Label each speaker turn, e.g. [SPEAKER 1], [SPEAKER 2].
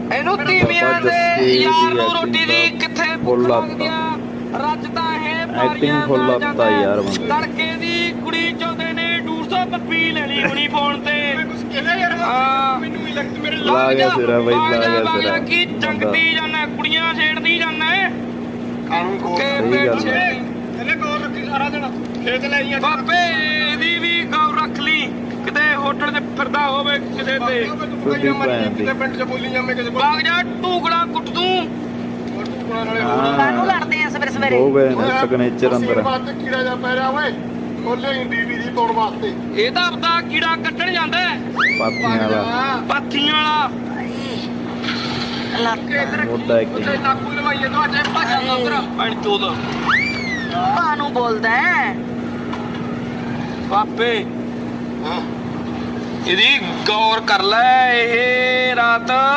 [SPEAKER 1] ਇਹਨੂੰ ਤੀਵੀਆਂ ਦੇ ਯਾਰ ਨੂੰ ਰੋਟੀ ਦੀ ਕਿੱਥੇ ਭੁੱਖ ਲੱਗਦੀ ਆ। ਰੱਜਦਾ ਇਹ
[SPEAKER 2] ਐਕਟਿੰਗ ਫੁੱਲ ਆਪਤਾ ਯਾਰ ਬੰਦਾ।
[SPEAKER 1] ਤੜਕੇ ਦੀ ਕੁੜੀ ਚਾਹੁੰਦੇ ਨੇ 200 ਪੱਪੀ ਲੈਣੀ ਹੁਣੀ ਫੋਨ ਤੇ। ਮੈਨੂੰ ਹੀ ਲੱਗਦਾ ਮੇਰੇ
[SPEAKER 2] ਲਾ ਗਿਆ ਸਿਰਾ ਬਈ, ਲਾ ਗਿਆ ਸਿਰਾ।
[SPEAKER 1] ਕੀ ਜੰਗਦੀ ਜਾਣਾ ਕੁੜੀਆਂ ਛੇੜਦੀ ਜਾਣਾ ਕਾਨੂੰ ਕੋਲ ਇਹਨੇ ਕੋਲ ਰੱਖੀ ਸਾਰਾ ਦਿਨ ਖੇਤ ਲੈ ਆਈਆਂ ਬਾਬੇ। ਇਹਦੀ ਵੀ ਗੌਰ ਰੱਖ ਲਈ ਕਿਤੇ ਹੋਟਲ 'ਚ ਫਿਰਦਾ ਹੋਵੇ ਕਿਤੇ ਤੇ ਕਿਤੇ ਪਿੰਡ 'ਚ ਬੋਲੀ ਜਾਵੇਂ ਕਿਸੇ ਕੋਲ ਭਾਗ ਜਾ ਟੂਕੜਾ ਕੁੱਟ ਤੂੰ।
[SPEAKER 3] ਕਾਨੂੰ ਲੜਦੇ ਆ ਸਵੇਰੇ ਸਵੇਰੇ
[SPEAKER 2] ਹੋ ਗਏ ਨੇ ਸਿਗਨੇਚਰ ਅੰਦਰ।
[SPEAKER 4] ਕੀੜਾ ਜਾ ਪੈ ਰਿਹਾ ਓਏ ਖੋਲੇ ਡੀਵੀ ਦੀ ਤੋੜ ਵਾਸਤੇ।
[SPEAKER 1] ਇਹ ਤਾਂ ਆਪਦਾ ਕੀੜਾ ਕੱਢਣ ਜਾਂਦਾ
[SPEAKER 2] ਪਾਥੀਆਂ ਵਾਲਾ।
[SPEAKER 1] ਪਾਥੀਆਂ ਵਾਲਾ
[SPEAKER 2] ਮੋਟਾ ਐਕਟਿੰਗ।
[SPEAKER 1] ਨਾਕੂ ਲਵਾਈਏ ਤਾਂ ਅੱਜ ਭੱਜਦਾ ਉਧਰ ਪੈਣ ਚੋਦ
[SPEAKER 3] ਕਾਨੂੰ ਬੋਲਦਾ ਹੈ
[SPEAKER 1] ਬਾਪੇ। ਇਹਦੀ ਗੌਰ ਕਰ ਲੈ ਇਹ ਰਾਤ